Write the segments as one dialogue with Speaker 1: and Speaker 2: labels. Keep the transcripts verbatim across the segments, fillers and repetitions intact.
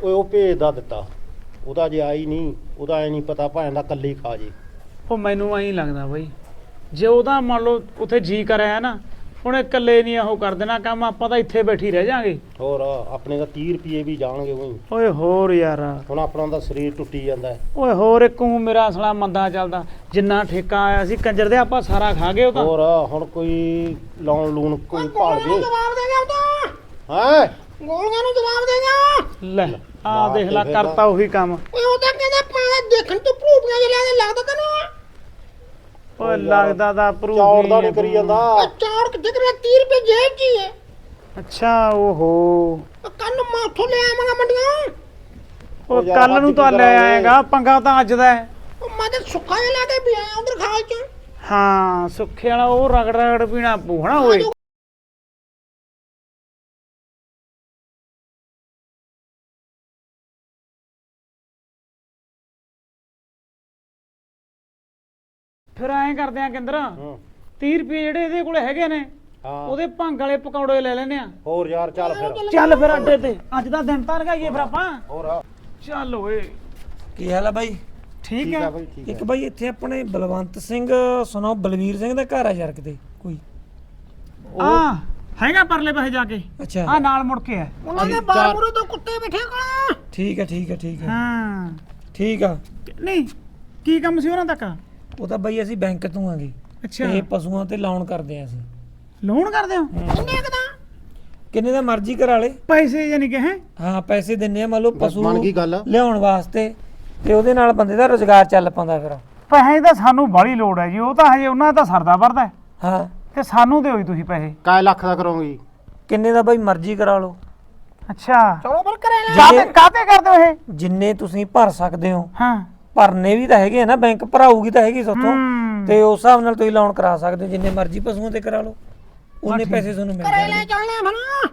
Speaker 1: ਓਏ ਉਹ ਭੇਜਦਾ ਦਿੱਤਾ ਉਹਦਾ ਜੇ ਆਈ ਨਹੀਂ ਉਹਦਾ ਐ ਨਹੀਂ ਪਤਾ ਭਾਵੇਂ ਦਾ ਕੱਲੀ ਖਾ ਜੇ।
Speaker 2: ਉਹ ਮੈਨੂੰ ਐਂ ਲੱਗਦਾ ਬਈ ਜੇ ਉਹਦਾ ਮੰਨ ਲਓ ਉੱਥੇ ਜੀ ਕਰਿਆ ਨਾ ਉਹਨੇ ਇਕੱਲੇ ਨਹੀਂ ਉਹ ਕਰ ਦੇਣਾ ਕੰਮ, ਆਪਾਂ ਤਾਂ ਇੱਥੇ ਬੈਠੀ ਰਹਿ ਜਾਾਂਗੇ।
Speaker 1: ਹੋਰ ਆਪਣੇ ਦਾ ਤੀਹ ਰੁਪਏ ਵੀ ਜਾਣਗੇ ਉਹੀ।
Speaker 2: ਓਏ ਹੋਰ ਯਾਰ
Speaker 1: ਹੁਣ ਆਪਣਾ ਦਾ ਸਰੀਰ ਟੁੱਟੀ ਜਾਂਦਾ ਹੈ।
Speaker 2: ਓਏ ਹੋਰ ਇੱਕੂ ਮੇਰਾ ਸਾਲਾ ਮੰਦਾ ਚੱਲਦਾ, ਜਿੰਨਾ ਠੇਕਾ ਆਇਆ ਸੀ ਕੰਜਰ ਦੇ ਆਪਾਂ ਸਾਰਾ ਖਾ ਗਏ ਉਹ ਤਾਂ।
Speaker 1: ਹੋਰ ਹੁਣ ਕੋਈ ਲਾਉਣ ਲੂਣ ਕੋਈ ਭਾਲ ਜੇ।
Speaker 3: ਜਵਾਬ ਦੇ ਗਿਆ ਉਹ ਤਾਂ
Speaker 1: ਹੈ
Speaker 3: ਗੋਲੀਆਂ ਨੂੰ ਜਵਾਬ ਦੇ ਗਿਆ।
Speaker 2: ਲੈ ਆ ਦੇਖ ਲੈ ਕਰਤਾ ਉਹੀ ਕੰਮ।
Speaker 3: ਓਏ ਉਹ ਤਾਂ ਕਹਿੰਦਾ ਪਾਣਾ ਦੇਖਣ ਤੋਂ ਭੂਪੀਆਂ ਜਿਹਾ ਲੱਗਦਾ ਤੈਨੂੰ।
Speaker 2: ਓਏ ਲੱਗਦਾ ਦਾ ਪ੍ਰੂਫ
Speaker 1: ਚੌੜ ਦਾ ਨਹੀਂ ਕਰੀ ਜਾਂਦਾ।
Speaker 3: ਚੌੜ ਕਿੱਥੇ ਕਰਿਆ? ਤੀਹ ਰੁਪਏ ਜੇਬ 'ਚ ਹੀ ਹੈ।
Speaker 2: ਅੱਛਾ ਓਹੋ
Speaker 3: ਕੰਨ ਮਾਥੋਂ ਲੈ ਆਵਾਂਗਾ ਮੰਡੀਆਂ।
Speaker 2: ਉਹ ਕੱਲ ਨੂੰ ਤਾਂ ਲੈ ਆਏਗਾ, ਪੰਗਾ ਤਾਂ ਅੱਜ ਦਾ ਹੈ।
Speaker 3: ਉਹ ਮੈਂ ਤਾਂ ਸੁੱਕਾ ਜਿਹਾ ਲੈ ਕੇ ਵੀ ਆਇਆ ਉਧਰ ਖਾਲ 'ਚ।
Speaker 2: ਹਾਂ ਸੁੱਖੇ ਵਾਲਾ ਉਹ ਰਗੜ ਰਗੜ ਪੀਣਾ ਪੂ ਹਨਾ ਓਏ। ਫਿਰ ਐਂ ਕਰਦੇ ਆ ਕਿੰਦਰ, ਤੀਹ ਰੁਪਏ ਜਿਹੜੇ ਇਹਦੇ ਕੋਲ ਹੈਗੇ ਨੇ ਉਹਦੇ ਭੰਗ ਵਾਲੇ ਪਕੌੜੇ ਲੈ ਲੈਨੇ ਆ।
Speaker 1: ਹੋਰ ਯਾਰ ਚੱਲ ਫਿਰ
Speaker 2: ਚੱਲ ਫਿਰ ਅੱਡੇ ਤੇ ਅੱਜ ਦਾ ਦਿਨ ਤਾਂ ਲਗਾਈਏ ਫਿਰ ਆਪਾਂ।
Speaker 1: ਹੋਰ
Speaker 2: ਚੱਲ ਓਏ
Speaker 4: ਕੀ ਹਾਲ ਆ ਬਾਈ?
Speaker 2: ਠੀਕ ਹੈ।
Speaker 4: ਇੱਕ ਬਾਈ ਇੱਥੇ ਆਪਣੇ ਬਲਵੰਤ ਸਿੰਘ ਸੁਣੋ ਬਲਵੀਰ ਸਿੰਘ ਦਾ ਘਰ ਆ ਯਾਰ ਕਿਤੇ ਕੋਈ।
Speaker 2: ਆ ਹੈਗਾ ਪਰਲੇ ਪਾਸੇ ਜਾ ਕੇ।
Speaker 4: ਅੱਛਾ
Speaker 2: ਆ ਨਾਲ ਮੁੜ ਕੇ ਆ।
Speaker 3: ਉਹਨਾਂ ਦੇ ਬਾਹਰ ਮੂਰੇ ਤੋਂ ਕੁੱਤੇ ਬੈਠੇ ਕੋਲ।
Speaker 4: ਠੀਕ ਹੈ ਠੀਕ ਹੈ ਠੀਕ ਹੈ
Speaker 2: ਹਾਂ
Speaker 4: ਠੀਕ ਆ।
Speaker 2: ਨਹੀਂ ਕੀ ਕੰਮ ਸੀ ਉਹਨਾਂ ਤੱਕ?
Speaker 4: ਉਹ ਤਾਂ ਬਾਈ ਅਸੀਂ ਬੈਂਕ ਤੋਂ ਆਂਗੇ
Speaker 2: ਅੱਛਾ
Speaker 4: ਇਹ ਪਸ਼ੂਆਂ ਤੇ ਲੋਨ ਕਰਦੇ ਆ ਅਸੀਂ।
Speaker 2: ਲੋਨ ਕਰਦੇ ਹੋ?
Speaker 3: ਕਿੰਨੇ ਕਦਾ?
Speaker 4: ਕਿੰਨੇ ਦਾ ਮਰਜ਼ੀ ਕਰਾ ਲੇ
Speaker 2: ਪੈਸੇ ਯਾਨੀ ਕਿ ਹੈ?
Speaker 4: ਹਾਂ ਪੈਸੇ ਦਿੰਨੇ ਆ, ਮੰਨ ਲਓ ਪਸ਼ੂ
Speaker 1: ਬਣ ਗਈ ਗੱਲ।
Speaker 4: ਲਿਆਉਣ ਵਾਸਤੇ ਤੇ ਉਹਦੇ ਨਾਲ ਬੰਦੇ ਦਾ ਰੁਜ਼ਗਾਰ ਚੱਲ ਪਾਉਂਦਾ ਫਿਰ।
Speaker 2: ਪੈਸੇ ਤਾਂ ਸਾਨੂੰ ਬਾਹਲੀ ਲੋੜ ਹੈ ਜੀ, ਉਹ ਤਾਂ ਹਜੇ ਉਹਨਾਂ ਦਾ ਤਾਂ ਸਰਦਾ ਵਰਦਾ
Speaker 4: ਹਾਂ
Speaker 2: ਤੇ ਸਾਨੂੰ ਦਿਓ ਜੀ ਤੁਸੀਂ ਪੈਸੇ।
Speaker 1: ਕਾਇ ਲੱਖ ਦਾ ਕਰੋਗੇ?
Speaker 4: ਕਿੰਨੇ ਦਾ ਬਾਈ ਮਰਜ਼ੀ ਕਰਾ ਲਓ।
Speaker 2: ਅੱਛਾ
Speaker 3: ਚਲੋ ਫਿਰ ਕਰੇ ਲੈ।
Speaker 2: ਕਾਤੇ ਕਾਤੇ ਕਰਦੇ ਹੋ ਇਹ?
Speaker 4: ਜਿੰਨੇ ਤੁਸੀਂ ਭਰ ਸਕਦੇ ਹੋ।
Speaker 2: ਹਾਂ
Speaker 4: ਭਰਨੇ ਵੀ ਤਾਂ ਹੈਗੇ ਆ ਨਾ, ਬੈਂਕ ਭਰਾਊਗੀ ਤਾਂ ਹੈਗੀ ਸੋਥੋਂ
Speaker 2: ਹੂੰ।
Speaker 4: ਤੇ ਉਸ ਹਿਸਾਬ ਨਾਲ ਤੁਸੀਂ ਲੋਨ ਕਰਾ ਸਕਦੇ ਹੋ, ਜਿੰਨੇ ਮਰਜ਼ੀ ਪਸ਼ੂਆਂ ਤੇ ਕਰਾ ਲਓ ਉਹਨੇ ਪੈਸੇ ਤੁਹਾਨੂੰ ਮਿਲ
Speaker 3: ਕਰੇ
Speaker 4: ਜਾਣਗੇ।
Speaker 3: ਲੈ ਚੱਲਣੇ ਫਿਰ।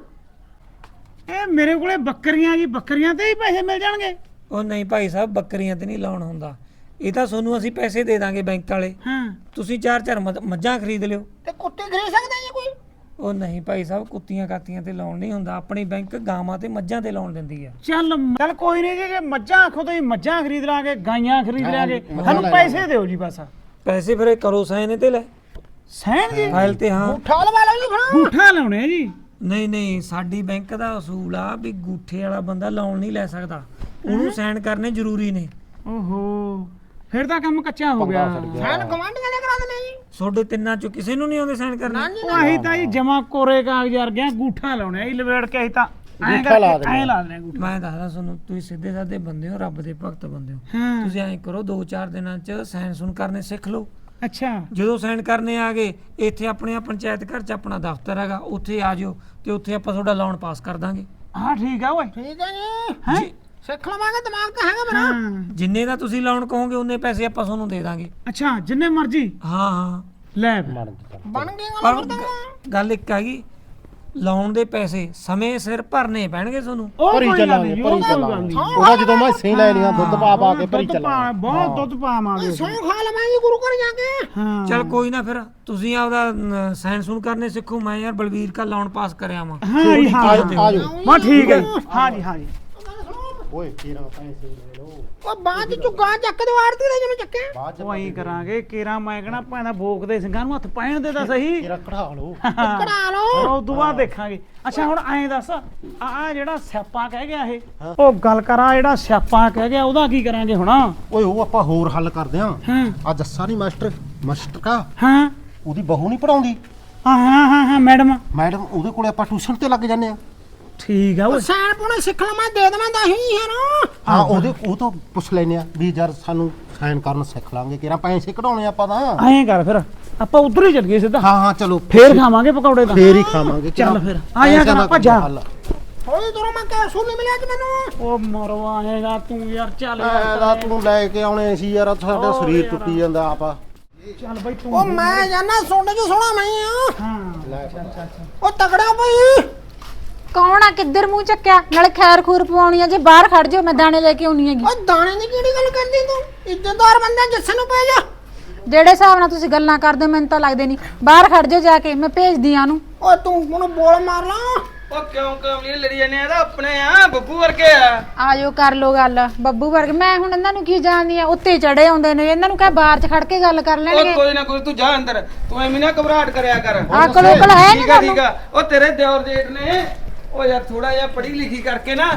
Speaker 2: ਇਹ ਮੇਰੇ ਕੋਲੇ ਬੱਕਰੀਆਂ ਜੀ, ਬੱਕਰੀਆਂ ਤੇ ਹੀ ਪੈਸੇ ਮਿਲ ਜਾਣਗੇ?
Speaker 4: ਉਹ ਨਹੀਂ ਭਾਈ ਸਾਹਿਬ ਬੱਕਰੀਆਂ ਤੇ ਨਹੀਂ ਲੋਨ ਹੁੰਦਾ, ਇਹ ਤਾਂ ਤੁਹਾਨੂੰ ਅਸੀਂ ਪੈਸੇ ਦੇ ਦਾਂਗੇ ਬੈਂਕ ਵਾਲੇ।
Speaker 2: ਹਾਂ
Speaker 4: ਤੁਸੀਂ ਚਾਰ ਚਾਰ ਮੱਝ- ਮੱਝਾਂ ਖਰੀਦ ਲਿਓ।
Speaker 3: ਤੇ ਕੁੱਤੇ ਖਰੀਦ ਸਕਦਾ ਜੀ ਕੋਈ?
Speaker 4: ਉਹ ਨਹੀਂ ਭਾਈ ਸਾਹਿਬ ਕੁੱਤੀਆਂ ਕਾਤੀਆਂ ਤੇ ਲੋਨ ਨਹੀਂ ਹੁੰਦਾ, ਆਪਣੀ ਬੈਂਕ ਗਾਵਾਂ ਤੇ ਮੱਝਾਂ ਤੇ ਲੋਨ ਦਿੰਦੀ ਆ।
Speaker 2: ਚੱਲ ਚੱਲ ਕੋਈ ਨਹੀਂ ਜੀ, ਜੇ ਮੱਝਾਂ ਆਖੋ ਤਾਂ ਮੱਝਾਂ ਖਰੀਦ ਲਾਂਗੇ, ਗਾਈਆਂ ਖਰੀਦ ਲਾਂਗੇ, ਸਾਨੂੰ ਪੈਸੇ ਦਿਓ ਜੀ ਬਸ।
Speaker 4: ਪੈਸੇ ਫਿਰ ਇਹ ਕਰੋ ਸਾਈਨ ਤੇ ਲੈ
Speaker 2: ਸਹਿਣ ਜੀ
Speaker 4: ਫਾਈਲ ਤੇ। ਹਾਂ
Speaker 3: ਠਾਲ ਵਾਲਾ ਜੀ ਫਿਰ।
Speaker 2: ਗੂਠਾ ਲਾਉਣੇ ਆ ਜੀ?
Speaker 4: ਨਹੀਂ ਨਹੀਂ ਸਾਡੀ ਬੈਂਕ ਦਾ ਅਸੂਲ ਆ ਵੀ ਗੂਠੇ ਵਾਲਾ ਬੰਦਾ ਲੋਨ ਨਹੀਂ ਲੈ ਸਕਦਾ, ਉਹਨੂੰ ਸਾਈਨ ਕਰਨੇ ਜ਼ਰੂਰੀ ਨੇ।
Speaker 2: ਓਹੋ ਫਿਰ ਤਾਂ ਕੰਮ ਕੱਚਾ ਹੋ ਗਿਆ।
Speaker 3: ਸਾਨ ਗਵਾਂਢੀਆਂ ਦੇ ਕਰਾ ਦਿੰਦੇ ਜੀ।
Speaker 4: ਤੁਹਾਡੇ ਤਿੰਨਾਂ ਚੋਂ ਕਿਸੇ ਨੂੰ ਨਹੀਂ ਆਉਂਦੇ ਸਾਈਨ ਕਰਨੇ?
Speaker 2: ਉਹ ਆਹੀ ਤਾਂ ਜੀ ਜਮਾ ਕੋਰੇ ਕਾਗਜ਼ ਵਰਗੇ ਗੂਠਾ ਲਾਉਣੇ ਆ ਜੀ, ਲਵੇੜ ਕੇ ਅਸੀਂ ਤਾਂ ਐਂ
Speaker 1: ਗੂਠਾ ਲਾ
Speaker 2: ਕਰਕੇ ਐਂ ਲਾ ਦੇਣੇ ਗੂਠਾ।
Speaker 4: ਮੈਂ ਦੱਸਦਾ ਤੁਹਾਨੂੰ, ਤੁਸੀਂ ਸਿੱਧੇ ਸਾਦੇ ਬੰਦੇ ਹੋ, ਰੱਬ ਦੇ ਭਗਤ ਬੰਦੇ ਹੋ।
Speaker 2: ਹਾਂ
Speaker 4: ਤੁਸੀਂ ਐਂ ਕਰੋ ਦੋ ਚਾਰ ਦਿਨਾਂ ਚ ਸਾਈਨ ਸੁਣ ਕਰਨੇ ਸਿੱਖ ਲਓ।
Speaker 2: ਅੱਛਾ
Speaker 4: ਜਦੋਂ ਸਾਈਨ ਕਰਨੇ ਆ ਗਏ ਇੱਥੇ ਆਪਣੇ ਆ ਪੰਚਾਇਤ ਘਰ ਚ ਆਪਣਾ ਦਫ਼ਤਰ ਹੈਗਾ, ਉੱਥੇ ਆ ਜਾਓ ਤੇ ਉੱਥੇ ਆਪਾਂ ਤੁਹਾਡਾ ਲੋਨ ਪਾਸ ਕਰ ਦਾਂਗੇ।
Speaker 2: ਹਾਂ ਠੀਕ ਆ ਓਏ।
Speaker 3: ਠੀਕ ਹੈ ਜੀ।
Speaker 2: ਹੈ
Speaker 3: ਸਿੱਖ ਲਵਾਂਗੇ, ਦਿਮਾਗ ਤਾਂ ਹੈਗਾ ਮੇਰਾ।
Speaker 2: ਹਾਂ
Speaker 4: ਜਿੰਨੇ ਦਾ ਤੁਸੀਂ ਲੋਨ ਕਹੋਗੇ ਉਨੇ ਪੈਸੇ ਆਪਾਂ ਤੁਹਾਨੂੰ ਦੇ ਦਾਂਗੇ।
Speaker 2: ਅੱਛਾ ਜਿੰਨੇ ਮਰਜੀ
Speaker 4: ਹਾਂ ਹਾਂ
Speaker 2: ਲੈ ਫਿਰ।
Speaker 3: ਬਣ ਗਈ ਗੱਲ
Speaker 4: ਪਰ
Speaker 3: ਫਿਰ ਤਾਂ।
Speaker 4: ਗ- ਗੱਲ ਇੱਕ ਹੈਗੀ, ਲੋਨ ਦੇ ਪੈਸੇ ਸਮੇਂ ਸਿਰ ਭਰਨੇ ਪੈਣਗੇ ਤੁਹਾਨੂੰ।
Speaker 2: ਉਹ
Speaker 1: ਭਰੀ
Speaker 2: ਕੋਈ ਗੱਲ
Speaker 1: ਚੱਲਾਂਗੇ
Speaker 2: ਨਹੀਂ,
Speaker 1: ਭਰੀ
Speaker 2: ਉਹ ਕੋਈ ਗੱਲ
Speaker 1: ਚੱਲਾਂਗੇ।
Speaker 2: ਨਹੀਂ।
Speaker 1: ਉਹਦਾ ਜਦੋਂ ਮੈਂ ਸਹੀ ਲੈ ਲਈਆਂ ਦੁੱਧ ਪਾ ਪਾ ਕੇ ਭਰੀ
Speaker 2: ਦੁੱਧ ਪਾ-
Speaker 1: ਚੱਲਾਂਗੇ।
Speaker 2: ਬਹੁਤ ਦੁੱਧ ਪਾਵਾਂਗੇ।
Speaker 3: ਸੌ ਖਾ ਲਵਾਂਗੇ ਗੁਰੂ ਘਰ ਜਾ ਕੇ।
Speaker 2: ਹਾਂ
Speaker 4: ਚਲ ਕੋਈ ਨਾ, ਫਿਰ ਤੁਸੀਂ ਆਪਦਾ ਸਾਈਨ ਸੁਣ ਕਰਨੇ ਸਿੱਖੋ, ਮੈਂ ਯਾਰ ਬਲਵੀਰ ਕਾ ਲੋਨ ਪਾਸ ਕਰਿਆ ਵਾਂ।
Speaker 2: ਹਾਂ ਜੀ ਹਾਂ
Speaker 1: ਆਜੋ ਆਜੋ।
Speaker 2: ਮੈਂ ਠੀਕ ਹੈ। ਹਾਂ ਜੀ ਹਾਂ ਜੀ।
Speaker 1: ਓਏ ਤੇਰਾ ਪੈਸੇ ਲੈ ਲਓ
Speaker 3: ਉਹ ਬਾਅਦ ਚ ਝੁੱਗਾ ਚੱਕ ਦੇ ਆੜਤੀ ਦੇ ਜਿਵੇਂ ਚੱਕੇ।
Speaker 1: ਬਾਅਦ ਚ
Speaker 2: ਉਹ ਐਂ ਕਰਾਂਗੇ ਕੇਰਾ ਮੈਂ ਕਹਣਾ ਭਾਵੇਂ ਭੋਗਦੇ ਸਿੰਘਾਂ ਨੂੰ ਹੱਥ ਪਾਣ ਦੇ ਤਾਂ ਸਹੀ।
Speaker 1: ਤੇਰਾ ਕਢਾ ਲਓ।
Speaker 3: ਕਢਾ ਲਓ।
Speaker 2: ਉਹ ਤੋਂ ਬਾਅਦ ਦੇਖਾਂਗੇ। ਅੱਛਾ ਹੁਣ ਐਂ ਦੱਸ ਆ ਆ ਜਿਹੜਾ ਸਿਆਪਾ ਕਹਿ ਗਿਆ ਇਹ, ਉਹ ਗੱਲ ਕਰਾਂ ਜਿਹੜਾ ਸਿਆਪਾ ਕਹਿ ਗਿਆ ਉਹਦਾ ਕੀ ਕਰਾਂਗੇ ਹੁਣ?
Speaker 1: ਓਏ ਉਹ ਆਪਾਂ ਹੋਰ ਹੱਲ ਕਰਦੇ ਆਂ।
Speaker 2: ਹਾਂ
Speaker 1: ਆ ਜੱਸਾ ਨਹੀਂ ਮਾਸਟਰ ਮਾਸਟਰ ਕਾ
Speaker 2: ਹਾਂ
Speaker 1: ਉਹਦੀ ਬਹੂ ਨਹੀਂ ਪੜਾਉਂਦੀ
Speaker 2: ਹਾਂ ਹਾਂ ਹਾਂ ਹਾਂ ਮੈਡਮ
Speaker 1: ਮੈਡਮ, ਉਹਦੇ ਕੋਲੇ ਆਪਾਂ ਟਿਊਸ਼ਨ ਤੇ ਲੱਗ ਜਾਂਦੇ ਆ।
Speaker 2: ਠੀਕ ਆ ਓਏ।
Speaker 3: ਸੈਨ ਪੁਣੇ ਸਿੱਖ ਲਵਾਂ, ਦੇ ਦੇਵਾਂ ਤਾਂ ਹੀ ਹੈ ਨਾ।
Speaker 1: ਹਾਂ ਉਹਦੇ ਉਹ ਤੋਂ ਪੁੱਛ ਲੈਨੇ ਆ ਵੀ ਯਾਰ ਸਾਨੂੰ ਸਾਈਨ ਕਰਨ ਸਿੱਖ ਲਾਂਗੇ, ਕਿਹੜਾ ਪੈਸੇ ਕਢਾਉਣੇ ਆਪਾਂ ਤਾਂ।
Speaker 2: ਐਂ ਕਰ ਫਿਰ ਆਪਾਂ ਉਧਰ ਹੀ ਚੱਲ ਗਏ ਸਿੱਧਾ,
Speaker 1: ਹਾਂ ਹਾਂ ਚਲੋ
Speaker 2: ਫੇਰ ਖਾਵਾਂਗੇ ਪਕੌੜੇ ਤਾਂ।
Speaker 1: ਫੇਰ ਹੀ ਖਾਵਾਂਗੇ।
Speaker 2: ਚੱਲ ਫਿਰ ਆ ਜਾ ਕਰ ਭੱਜਾ।
Speaker 3: ਥੋੜੀ ਦੂਰੋਂ ਮੈਂ ਕਹਿ ਸੂ ਨਹੀਂ ਮਿਲਿਆ ਕਿ ਮੈਨੂੰ।
Speaker 2: ਉਹ ਮਰਵਾ ਆਏਗਾ ਤੂੰ ਯਾਰ, ਚੱਲ
Speaker 1: ਐਦਾ
Speaker 2: ਯਾਰ
Speaker 1: ਤੂੰ ਲੈ ਕੇ ਆਉਣੇ ਸੀ ਯਾਰ, ਸਾਡਾ ਸਰੀਰ ਟੁੱਟੀ ਜਾਂਦਾ ਆਪਾ।
Speaker 2: ਚੱਲ ਬਈ ਤੂੰ।
Speaker 3: ਉਹ ਮੈਂ ਜਾਨਾ ਸੋਨੇ ਚ ਸੋਣਾ ਮੈਂ ਆ।
Speaker 2: ਹਾਂ
Speaker 1: ਲੈ
Speaker 2: ਚੱਲ ਚੱਲ ਚੱਲ।
Speaker 3: ਉਹ ਤਗੜਾ ਪਈ।
Speaker 5: ਕੌਣ ਆ? ਕਿੱਧਰ ਮੂੰਹ ਚੱਕਿਆ? ਨਾਲੇ ਖੈਰ ਖੂਰ ਪਵਾਉਣੀ ਆ, ਜੇ ਬਾਹਰ ਖੜ ਜਾਓ ਮੈਂ ਦਾਣੇ ਲੈ ਕੇ ਆਉਣੀ ਹੈਗੀ।
Speaker 3: ਉਹ ਦਾਣੇ ਦੀ ਕਿਹੜੀ ਗੱਲ ਕਰਦੀ ਤੂੰ? ਇੱਜ਼ਤਦਾਰ ਬੰਦਾ ਜੱਸੇ ਨੂੰ ਪੈ ਜਾ।
Speaker 5: ਜਿਹੜੇ ਹਿਸਾਬ ਨਾਲ ਤੁਸੀਂ ਗੱਲਾਂ ਕਰਦੇ ਹੋ ਮੈਨੂੰ ਤਾਂ ਲੱਗਦੇ ਨਹੀਂ। ਬਾਹਰ ਖੜ ਜਾਓ ਜਾ ਕੇ, ਮੈਂ ਭੇਜਦੀ ਆ ਉਹਨੂੰ।
Speaker 3: ਓਏ ਤੂੰ ਉਹਨੂੰ ਬੋਲ ਮਾਰ ਲਾ।
Speaker 6: ਉਹ ਕਿਉਂ ਕਮਲੀ ਲੜੀ ਜਾਂਦੇ ਆ? ਇਹਦਾ ਆਪਣੇ ਆ, ਬੱਬੂ ਵਰਗੇ ਆ।
Speaker 5: ਆਜੋ ਕਰ ਲੋ ਗੱਲ ਬੱਬੂ ਵਰਗ। ਮੈਂ ਹੁਣ ਇਹਨਾਂ ਨੂੰ ਕੀ ਜਾਣਦੀ ਆ, ਉੱਤੇ ਚੜੇ ਆਉਂਦੇ ਨੇ, ਇਹਨਾਂ ਨੂੰ ਕਹੇ ਬਾਹਰ ਚ ਖੜ ਕੇ ਗੱਲ ਕਰ
Speaker 6: ਉਹ
Speaker 5: ਲੈਣਗੇ।
Speaker 6: ਕੋਈ ਨਾ ਕੋਈ, ਤੂੰ ਜਾ ਅੰਦਰ, ਤੂੰ ਐਵੇਂ ਨਾ ਘਬਰਾਹਟ ਕਰਿਆ ਕਰ।
Speaker 5: ਅਕਲ ਉਕਲ ਹੈ ਨੀ
Speaker 6: ਠੀਕ ਆ ਠੀਕ
Speaker 5: ਤੁਹਾਨੂੰ?
Speaker 6: ਆ। ਉਹ ਤੇਰੇ ਦਿਓਰ ਜੇਠ ਨੇ ਉਹ ਯਾਰ ਥੋੜਾ ਜਿਹਾ ਪੜ੍ਹੀ ਲਿਖੀ ਕਰਕੇ ਨਾ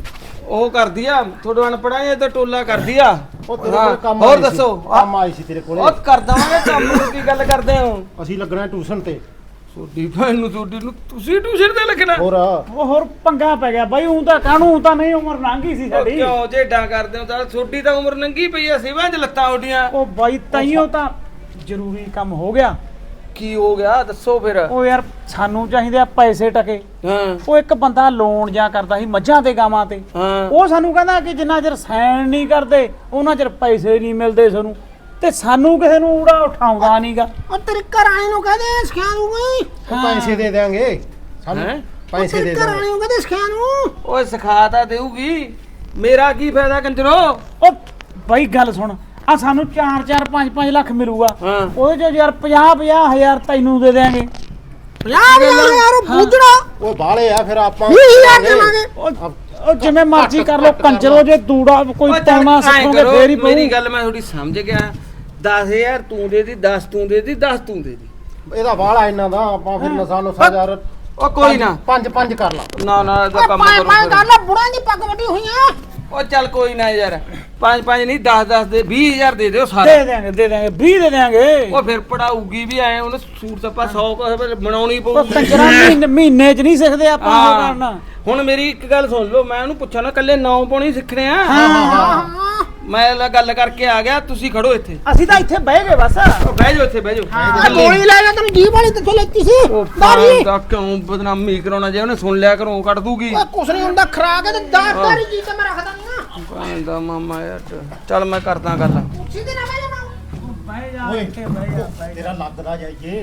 Speaker 6: ਉਹ ਕਰਦੀ ਆ, ਥੋੜਾ ਅਨਪੜਾ ਇਹ ਤਾਂ ਟੋਲਾ ਕਰਦੀ ਆ।
Speaker 1: ਉਹ ਤੇਰੇ ਕੋਲ ਕੰਮ
Speaker 6: ਹੋਰ
Speaker 1: ਆਈ ਸੀ,
Speaker 6: ਦੱਸੋ।
Speaker 1: ਕੰਮ ਆਈ ਸੀ ਤੇਰੇ ਕੋਲੇ।
Speaker 6: ਉਹ ਕਰ ਦਵਾਂਗੇ ਕੰਮ ਨੂੰ, ਕੀ ਗੱਲ ਕਰਦੇ ਹੋ?
Speaker 1: ਅਸੀਂ ਲੱਗਣਾ ਟਿਊਸ਼ਨ ਤੇ।
Speaker 6: ਛੋਟੀ ਭੈਣ ਨੂੰ ਛੋਟੀ ਨੂੰ ਤੁਸੀਂ ਟਿਊਸ਼ਨ ਤੇ ਲੱਗਣਾ?
Speaker 1: ਹੋਰ
Speaker 2: ਉਹ ਹੋਰ ਪੰਗਾ ਪੈ ਗਿਆ ਬਾਈ। ਉਹ ਤਾਂ ਕਾਹਨੂੰ ਤਾਂ ਨਹੀਂ, ਉਮਰ ਲੰਘੀ ਸੀ
Speaker 6: ਉਹ
Speaker 2: ਸਾਡੀ।
Speaker 6: ਕਿਉਂ ਜੇਡਾਂ ਕਰਦੇ ਹੋ? ਤਾਂ ਛੋਟੀ ਤਾਂ ਉਮਰ ਨੰਗੀ ਪਈ ਆ, ਸਿਵਾਂ ਚ ਲੱਤਾਂ ਉੱਡੀਆਂ।
Speaker 2: ਉਹ ਬਾਈ ਤਾਈਓ ਤਾਂ ਜ਼ਰੂਰੀ ਕੰਮ ਹੋ ਗਿਆ।
Speaker 6: ਕੀ ਹੋ ਗਿਆ ਦੱਸੋ ਫਿਰ?
Speaker 2: ਉਹ ਯਾਰ ਸਾਨੂੰ ਚਾਹੀਦੇ ਆ ਪੈਸੇ ਟਕੇ।
Speaker 6: ਹਾਂ
Speaker 2: ਉਹ ਇੱਕ ਬੰਦਾ ਲੋਨ ਜਾਂ ਕਰਦਾ ਸੀ ਮੱਝਾਂ ਤੇ ਗਾਵਾਂ ਤੇ।
Speaker 6: ਹਾਂ
Speaker 2: ਉਹ ਸਾਨੂੰ ਕਹਿੰਦਾ ਕਿ ਜਿੰਨਾ ਚਿਰ ਸਾਈਨ ਨਹੀਂ ਕਰਦੇ ਉਹਨਾਂ ਚਿਰ ਪੈਸੇ ਨਹੀਂ ਮਿਲਦੇ ਸਾਨੂੰ, ਤੇ ਸਾਨੂੰ ਕਿਸੇ ਨੂੰ ਉੜਾ ਉਠਾਉਂਦਾ ਨਹੀਂਗਾ।
Speaker 3: ਉਹ ਤੇਰੇ ਘਰ ਆਏ ਨੂੰ ਕਹਦੇ ਸਿਖਿਆ ਨੂੰ ਗਈ।
Speaker 1: ਉਹ ਪੈਸੇ ਦੇ ਦੇਾਂਗੇ ਸਾਨੂੰ,
Speaker 6: ਹੈਂ?
Speaker 1: ਪੈਸੇ ਦੇ
Speaker 3: ਤੇਰੇ ਘਰ
Speaker 1: ਦੇਾਂਗੇ।
Speaker 3: ਆਏ ਨੂੰ ਕਹਦੇ ਸਿਖਿਆ ਨੂੰ।
Speaker 6: ਓਏ ਸਿਖਾ ਤਾਂ ਦੇਊਗੀ, ਮੇਰਾ ਕੀ ਫਾਇਦਾ ਕੰਜਰੋ?
Speaker 2: ਉਹ ਬਾਈ ਗੱਲ ਸੁਣ, ਆ ਸਾਨੂੰ ਚਾਰ ਚਾਰ ਪੰਜ ਪੰਜ ਲੱਖ ਮਿਲੂਗਾ।
Speaker 6: ਹਾਂ
Speaker 2: ਉਹਦੇ ਚ ਯਾਰ ਪੰਜਾਹ ਪੰਜਾਹ ਹਜ਼ਾਰ ਤੈਨੂੰ ਦੇ ਦੇਾਂਗੇ।
Speaker 3: ਪੰਜਾਹ ਹਜ਼ਾਰ ਯਾਰ ਬੁੱਝਣਾ।
Speaker 1: ਉਹ ਬਾਲੇ ਆ ਫਿਰ ਆਪਾਂ
Speaker 3: ਵੀਹ ਹਜ਼ਾਰ ਦੇਵਾਂਗੇ।
Speaker 2: ਉਹ ਉਹ ਜਿਵੇਂ ਮਰਜ਼ੀ ਕਰ ਲੋ ਕੰਜਰੋ, ਜੇ ਦੂੜਾ ਕੋਈ
Speaker 6: ਓਏ ਚੱਲ
Speaker 2: ਪਾਉਣਾ
Speaker 6: ਐਂ
Speaker 2: ਸਿੱਖੋਗੇ
Speaker 6: ਕਰੋ,
Speaker 2: ਫੇਰ ਹੀ ਪਊ।
Speaker 6: ਮੇਰੀ ਗੱਲ ਮੈਂ ਥੋੜੀ ਸਮਝ ਗਿਆ। ਦਸ ਹਜ਼ਾਰ ਤੂੰ ਦੇ ਦੀ, ਦਸ ਤੂੰ ਦੇ ਦੀ, ਦਸ ਤੂੰ ਦੇ ਦੀ।
Speaker 1: ਇਹਦਾ ਬਾਲਾ ਇਹਨਾਂ ਦਾ ਆਪਾਂ ਫਿਰ ਨਸਾ ਨੁਸਾ ਯਾਰ
Speaker 6: ਉਹ ਕੋਈ ਨਾ
Speaker 1: ਪੰਜ ਪੰਜ ਕਰ ਲਾ।
Speaker 6: ਨਾ ਨਾ ਇਹਦਾ
Speaker 3: ਓਏ
Speaker 6: ਕੰਮ
Speaker 3: ਪਾਏ
Speaker 6: ਕਰੋ
Speaker 3: ਪਾਏ
Speaker 6: ਫਿਰ।
Speaker 3: ਕਰ ਲੈ, ਬੁੜਾਂ ਦੀ ਪੱਗ ਵੱਡੀ ਹੋਈਆਂ।
Speaker 6: ਉਹ ਚੱਲ ਕੋਈ ਨਾ ਯਾਰ, ਪੰਜ ਪੰਜ ਨਹੀਂ ਦਸ ਦਸ ਦੇ ਵੀਹ ਹਜ਼ਾਰ ਦੇ ਦਿਓ
Speaker 2: ਦੇ
Speaker 6: ਸਾਰੇ।
Speaker 2: ਦੇਾਂਗੇ ਦੇ ਦੇਾਂਗੇ ਵੀਹ ਦੇ ਦੇਾਂਗੇ।
Speaker 6: ਉਹ ਫਿਰ ਪੜਾਊਗੀ ਵੀ ਆਏ, ਉਹਨੇ ਸੂਟ ਸੱਪਾ ਸੌ ਕੁ ਬਣਾਉਣੀ
Speaker 2: ਉਹ
Speaker 6: ਪਊਗੀ।
Speaker 2: ਕੰਜਰਾ ਮਹੀਨੇ ਮਹੀਨੇ ਚ ਨਹੀਂ ਸਿੱਖਦੇ ਆਪਾਂ ਉਹ
Speaker 6: ਹਾਂ।
Speaker 2: ਕਰਨਾ।
Speaker 6: ਹੁਣ ਮੇਰੀ ਇੱਕ ਗੱਲ ਸੁਣ ਲਓ, ਮੈਂ ਉਹਨੂੰ ਪੁੱਛਿਆ ਨਾ ਕੱਲੇ ਨੌ ਪਾਉਣੀ ਸਿੱਖਣੇ ਆ।
Speaker 3: ਹਾਂ
Speaker 6: ਮੈਂ ਇਹ ਗੱਲ ਕਰਕੇ ਆ ਗਿਆ, ਤੁਸੀਂ ਖੜੋ ਇੱਥੇ।
Speaker 2: ਅਸੀਂ ਤਾਂ ਇੱਥੇ ਬਹਿ ਗਏ ਬਸ।
Speaker 6: ਉਹ ਬਹਿ ਜਾਓ ਇੱਥੇ, ਬਹਿ ਜਾਓ।
Speaker 3: ਆ ਗੋਲੀ ਲੈ ਜਾ, ਤੈਨੂੰ ਜੀਭ ਵਾਲੀ ਕਿੱਥੋਂ ਲੈਤੀ ਸੀ?
Speaker 6: ਉਹ
Speaker 3: ਦਾਰੀ
Speaker 6: ਦਾ ਕਿਉਂ ਬਦਨਾਮੀ ਕਰਾਉਣਾ? ਜੇ ਉਹਨੇ ਸੁਣ ਲਿਆ ਘਰੋਂ ਕੱਢ ਦੂਗੀ।
Speaker 3: ਓਏ ਕੁਛ ਨਹੀਂ ਹੁੰਦਾ, ਖਰਾ ਕੇ ਤੇ ਦਾਰੀ ਜੀ ਤੇ ਮੈਂ ਰੱਖਦਾ ਨਹੀਂ ਨਾ।
Speaker 6: ਭੈਣ ਦਾ ਮਾਮਾ ਯਾਰ, ਚੱਲ ਮੈਂ ਕਰਦਾ ਗੱਲ।
Speaker 3: ਕੁਰਸੀ ਤੇ ਨਾ ਬਹਿ ਜਾ।
Speaker 2: ਬਹਿ ਜਾ
Speaker 1: ਓਏ
Speaker 2: ਇੱਥੇ ਬਹਿ ਜਾ ਬਹਿ ਜਾ।
Speaker 1: ਤੇਰਾ ਲੱਗਦਾ ਜਾਈਏ।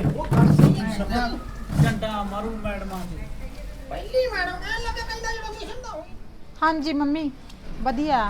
Speaker 2: ਡੰਡਾ ਮਾਰੂ ਮੈਡਮਾਂ ਦੇ।
Speaker 3: ਪਹਿਲੀ ਮੈਡਮ ਐ ਲੱਗੇ ਕਹਿੰਦਾ ਜਿਹੜਾ ਮਿਸ਼ਨ ਦਾ ਹੋਈ।
Speaker 5: ਹਾਂਜੀ ਮੰਮੀ ਵਧੀਆ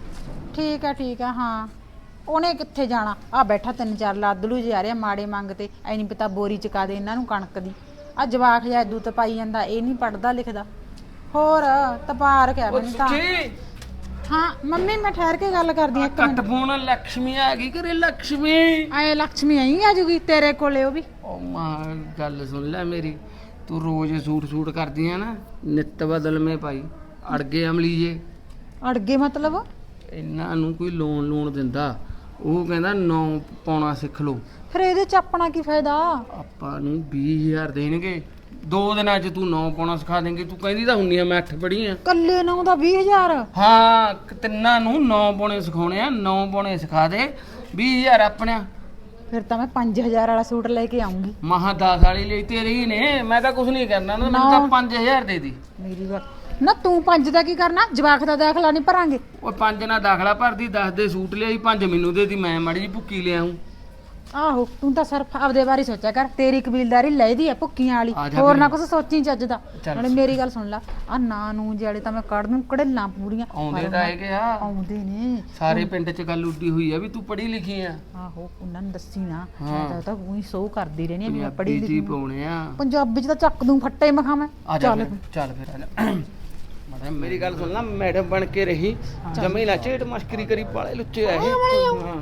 Speaker 5: ਠੀਕ ਆ ਠੀਕ ਆ। ਹਾਂ ਉਹਨੇ ਕਿੱਥੇ ਜਾਣਾ, ਆ ਬੈਠਾ ਤਿੰਨ ਚਾਰ ਲਾਦਲੂ ਜੇ ਆ ਰਿਹਾ ਮਾੜੇ ਮੰਗਤੇ। ਐ ਨਹੀਂ ਪਤਾ ਬੋਰੀ ਚਕਾ ਦੇ ਇਹਨਾਂ ਨੂੰ ਕਣਕ ਦੀ। ਆ ਜਵਾਕ ਜਿਹਾ ਦੂਤ ਪਾਈ ਜਾਂਦਾ, ਇਹ ਨਹੀਂ ਪੜਦਾ ਲਿਖਦਾ। ਹੋਰ ਤਪਾਰ ਕਿਆ
Speaker 6: ਉਹ
Speaker 5: ਮੈਨੂੰ ਤਾਂ।
Speaker 6: ਸੁਖੀ
Speaker 5: ਹਾਂ ਮੰਮੀ ਮੈਂ ਠਹਿਰ ਕੇ ਗੱਲ ਕਰਦੀ ਆ ਇੱਕ
Speaker 6: ਕੱਟ
Speaker 5: ਮਿੰਟ।
Speaker 6: ਫੋਨ, ਲక్ష్ਮੀ ਆ ਗਈ ਘਰੇ। ਲక్ష్ਮੀ
Speaker 5: ਆਏ ਲక్ష్ਮੀ ਆਈ ਆ ਜੂਗੀ ਤੇਰੇ ਕੋਲੇ ਉਹ ਵੀ।
Speaker 6: ਉਹ ਮਾਂ ਗੱਲ ਸੁਣ ਲੈ ਮੇਰੀ, ਤੂੰ ਰੋਜ਼ ਸੂਟ ਸੂਟ ਕਰਦੀ ਆ ਨਾ, ਨਿੱਤ ਬਦਲਵੇਂ ਪਾਈ। ਅੜਗੇ ਅਮਲੀ ਜੇ
Speaker 5: ਅੜ ਗਏ ਮਤਲਬ?
Speaker 6: ਇਹਨਾਂ ਨੂੰ ਕੋਈ ਲੋਨ ਲੋਨ ਦਿੰਦਾ, ਉਹ ਕਹਿੰਦਾ ਨੌ ਪਾਉਣਾ ਸਿੱਖ ਲਓ।
Speaker 5: ਫਿਰ ਇਹਦੇ ਚ ਆਪਣਾ ਕੀ ਫਾਇਦਾ?
Speaker 6: ਆਪਾਂ ਨੂੰ ਵੀਹ ਹਜ਼ਾਰ ਦੇਣਗੇ, ਦੋ ਦਿਨਾਂ 'ਚ ਤੂੰ ਨੌ ਪਾਉਣਾ ਸਿਖਾ ਦੇਂਗੀ। ਤੂੰ ਕਹਿੰਦੀ ਤਾਂ ਹੁੰਨੀ ਆ ਮੈਂ ਅੱਠ ਪੜ੍ਹੀ ਆ।
Speaker 5: ਕੱਲੇ ਨੂੰ ਦਾ ਵੀਹ ਹਜ਼ਾਰ?
Speaker 6: ਹਾਂ ਤਿੰਨਾਂ ਨੂੰ ਨੌ ਪਾਉਣੇ ਸਿਖਾਉਣੇ ਆ, ਨੌ ਪਾਉਣੇ ਸਿਖਾ ਦੇ, ਵੀਹ ਹਜ਼ਾਰ ਆਪਣਿਆ।
Speaker 5: ਫਿਰ ਤਾਂ ਮੈਂ ਪੰਜ ਹਜ਼ਾਰ ਵਾਲਾ ਸੂਟ ਲੈ ਕੇ ਆਉਂਗੀ।
Speaker 6: ਮਹਾ ਦਸ ਵਾਲੀ ਲਈ ਤੇਰੀ ਹੀ ਨੇ, ਮੈਂ ਤਾਂ ਕੁਝ ਨਹੀਂ ਕਰਨਾ ਨਾ, ਮੈਨੂੰ ਤਾਂ ਪੰਜ ਹਜ਼ਾਰ ਦੇ ਦੀ।
Speaker 5: ਮੇਰੀ ਗੱਲ ਨਾ, ਤੂੰ ਪੰਜ ਦਾ ਕੀ ਕਰਨਾ? ਜਵਾਕ ਦਾ ਦਾਖਲਾ ਨਹੀਂ ਭਰਾਂਗੇ?
Speaker 6: ਉਹ ਪੰਜ ਨਾਲ ਦਾਖਲਾ ਭਰਦੀ, ਦਸ ਦੇ ਸੂਟ ਲਿਆਈ, ਪੰਜ ਮੈਨੂੰ ਦੇ ਦੀ, ਮੈਂ ਮਾੜੀ ਜੀ ਭੁੱਕੀ ਲਿਆਉਂ।
Speaker 5: ਆਹੋ ਤੂੰ ਤਾਂ ਸਿਰਫ ਆਪਦੇ ਬਾਰੇ ਸੋਚਿਆ ਕਰ, ਤੇਰੀ ਕਬੀਲਦਾਰੀ ਲੈਦੀ ਆ ਭੁੱਕੀਆਂ ਵਾਲੀ,
Speaker 6: ਆ ਜਾ
Speaker 5: ਹੋਰ ਨਾ
Speaker 6: ਫਿਰ।
Speaker 5: ਕੁਛ ਸੋਚੀ ਚੱਜ ਦਾ।
Speaker 6: ਚੱਲ।
Speaker 5: ਨਾਲੇ ਮੇਰੀ ਗੱਲ ਸੁਣ ਲੈ, ਆ ਨਾ ਨੂੰ ਜਿਹੜੇ ਤਾਂ ਮੈਂ ਕੱਢ ਦੂੰ ਕੜੇਲਾਂ ਪੂਰੀਆਂ।
Speaker 6: ਆਉਂਦੇ
Speaker 5: ਪਰ
Speaker 6: ਤਾਂ
Speaker 5: ਮੈਂ-
Speaker 6: ਹੈਗੇ ਆ,
Speaker 5: ਆਉਂਦੇ ਨੇ
Speaker 6: ਸਾਰੇ ਪਿੰਡ 'ਚ ਗੱਲ ਉੱਡੀ ਹੋਈ ਆ ਵੀ ਤੂੰ ਪੜ੍ਹੀ ਲਿਖੀ ਆ।
Speaker 5: ਆਹੋ ਉਹਨਾਂ ਨੂੰ ਦੱਸੀ ਨਾ,
Speaker 6: ਹਾਂ।
Speaker 5: ਮੈਂ ਤਾਂ ਤਾਂ ਉਹੀ ਸੋ ਕਰਦੀ ਰਹਿਣੀ ਆ ਵੀ ਮੈਂ ਪੜ੍ਹੀ
Speaker 6: ਪੰਜਾਬੀ ਜੀ
Speaker 5: ਲਿਖੀ ਆ।
Speaker 6: ਪਾਉਣੇ ਆ।
Speaker 5: ਪੰਜਾਬੀ ਚ ਤਾਂ ਚੱਕ ਦੂੰ ਫੱਟੇ ਮਖਾ ਮੈਂ।
Speaker 6: ਆ ਜਾ
Speaker 5: ਚੱਲ
Speaker 6: ਫਿਰ, ਚੱਲ ਫਿਰ ਆ ਜਾ। ਮੈਡਮ ਮੇਰੀ ਗੱਲ ਸੁਣ ਲੈ, ਮੈਡਮ ਬਣ ਕੇ ਰਹੀ, ਜਮੀ ਨਾ ਝੇਟ ਮਸ਼ਕਰੀ ਕਰੀ, ਪਾਲੇ ਲੁੱਚੇ ਆ ਇਹ। ਹਾਂ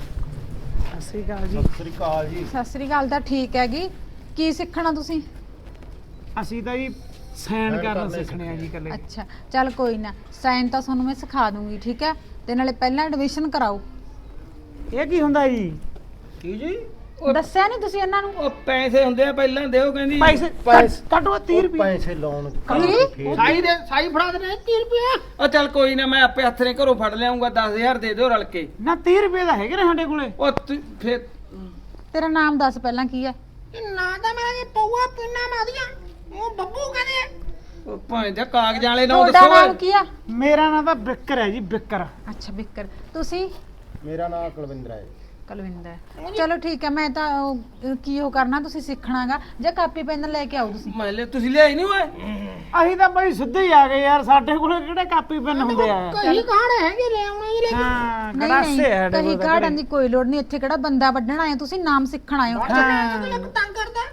Speaker 2: ਸਤਿ ਸ੍ਰੀ ਅਕਾਲ ਜੀ।
Speaker 1: ਸਤਿ ਸ੍ਰੀ ਅਕਾਲ ਜੀ।
Speaker 5: ਸਤਿ ਸ੍ਰੀ ਅਕਾਲ ਤਾਂ ਠੀਕ ਹੈਗੀ। ਕੀ ਸਿੱਖਣਾ ਤੁਸੀਂ?
Speaker 2: ਅਸੀਂ ਤਾਂ ਜੀ ਸਾਈਨ
Speaker 1: ਸਾਈਨ
Speaker 2: ਕਰਨਾ
Speaker 1: ਕਰਨੇ
Speaker 2: ਸਿੱਖਣੇ ਆ ਜੀ ਇਕੱਲੇ।
Speaker 5: ਅੱਛਾ ਚੱਲ ਕੋਈ ਨਾ, ਸਾਈਨ ਤਾਂ ਤੁਹਾਨੂੰ ਮੈਂ ਸਿਖਾ ਦੂੰਗੀ ਠੀਕ ਹੈ। ਤੇ ਨਾਲੇ ਪਹਿਲਾਂ ਐਡਮਿਸ਼ਨ ਕਰਾਓ।
Speaker 2: ਇਹ ਕੀ ਹੁੰਦਾ ਜੀ?
Speaker 6: ਕੀ ਜੀ?
Speaker 5: ਦੱਸਿਆ ਨਹੀਂ ਤੁਸੀਂ ਇਹਨਾਂ ਨੂੰ?
Speaker 6: ਉਹ ਪੈਸੇ ਹੁੰਦੇ ਆ ਪਹਿਲਾਂ ਦਿਓ ਕਹਿੰਦੀ।
Speaker 2: ਪੈਸੇ
Speaker 1: ਪੈਸੇ-
Speaker 2: ਕੱਢੋ ਤੀਹ
Speaker 1: ਉਹ
Speaker 2: ਰੁਪਏ।
Speaker 1: ਪੈਸੇ ਲਾਉਣ
Speaker 5: ਕੀ?
Speaker 3: ਸਾਈ ਦੇ ਸਾਈ ਫੜਾ ਦੇ ਤੀਹ ਰੁਪਏ।
Speaker 6: ਉਹ ਚੱਲ ਕੋਈ ਨਾ, ਮੈਂ ਆਪੇ ਹੱਥ ਨੇ ਘਰੋਂ ਫੜ ਲਿਆਉਂਗਾ, ਦਸ ਹਜ਼ਾਰ ਦੇ ਦਿਓ ਰਲ ਕੇ।
Speaker 2: ਨਾ ਤੀਹ ਰੁਪਏ ਦਾ ਹੈਗੇ ਨੇ ਸਾਡੇ ਕੋਲੇ।
Speaker 6: ਉਹ ਤੂੰ ਫਿਰ
Speaker 5: ਤੇਰਾ ਨਾਮ ਦੱਸ ਪਹਿਲਾਂ ਕੀ ਹੈ?
Speaker 3: ਇਹ ਨਾ ਤਾਂ ਮੇਰਾ ਇਹ ਪਊਆ ਪਿੰਨਾ ਮਾਦੀਆਂ, ਉਹ ਬੱਬੂ ਕਹਿੰਦੇ।
Speaker 6: ਉਹ ਭਾਵੇਂ ਤੇ ਕਾਗਜ਼ਾਂ ਵਾਲੇ ਨਾ
Speaker 5: ਤੁਹਾਡਾ
Speaker 6: ਦੱਸੋ।
Speaker 5: ਨਾਮ ਕੀ ਆ?
Speaker 2: ਮੇਰਾ ਨਾਮ ਤਾਂ ਬਿੱਕਰ ਹੈ ਜੀ, ਬਿੱਕਰ।
Speaker 5: ਅੱਛਾ ਬਿੱਕਰ। ਤੁਸੀਂ?
Speaker 1: ਮੇਰਾ ਨਾਮ ਕੁਲਵਿੰਦਰ ਹੈ।
Speaker 5: ਕੁਲਵਿੰਦਰ। ਚਲੋ ਠੀਕ ਹੈ, ਮੈਂ ਤਾਂ ਉਹ- ਕੀ ਉਹ ਕਰਨਾ ਤੁਸੀਂ ਸਿੱਖਣਾਗਾ ਜਾਂ ਕਾਪੀ ਪੈਨ ਲੈ ਕੇ ਆਓ ਤੁਸੀਂ?
Speaker 6: ਮੈਂ ਲੈ ਤੁਸੀਂ ਲਿਆਈ ਨਹੀਂ ਓਏ?
Speaker 2: ਅਸੀਂ ਤਾਂ ਬਈ ਸਿੱਧੇ ਹੀ ਆ ਗਏ ਯਾਰ, ਸਾਡੇ ਕੋਲੇ ਕਿਹੜੇ ਕਾਪੀ ਪੈਨ ਹੁੰਦੇ ਆ।
Speaker 3: ਕਹੀ ਕਹਾਣ ਹੈਗੇ ਲੈ ਆਉਣਾ ਜੀ ਲੈ ਕੇ।
Speaker 2: ਹਾਂ
Speaker 5: ਨਹੀਂ
Speaker 2: ਗੜਾਸੇ
Speaker 5: ਨਹੀਂ
Speaker 2: ਆ ਸਾਡੇ
Speaker 5: ਕਹੀ
Speaker 2: ਕੋਲ ਤਾਂ
Speaker 5: ਕਾੜਨ ਦੀ ਕੋਈ ਲੋੜ ਨਹੀਂ। ਇੱਥੇ ਕਿਹੜਾ ਬੰਦਾ ਵੱਢਣ ਆਏ ਹੋ ਤੁਸੀਂ, ਨਾਮ ਸਿੱਖਣ ਆਏ ਹੋ।
Speaker 3: ਤੂੰ ਤੰਗ ਕਰਦਾ।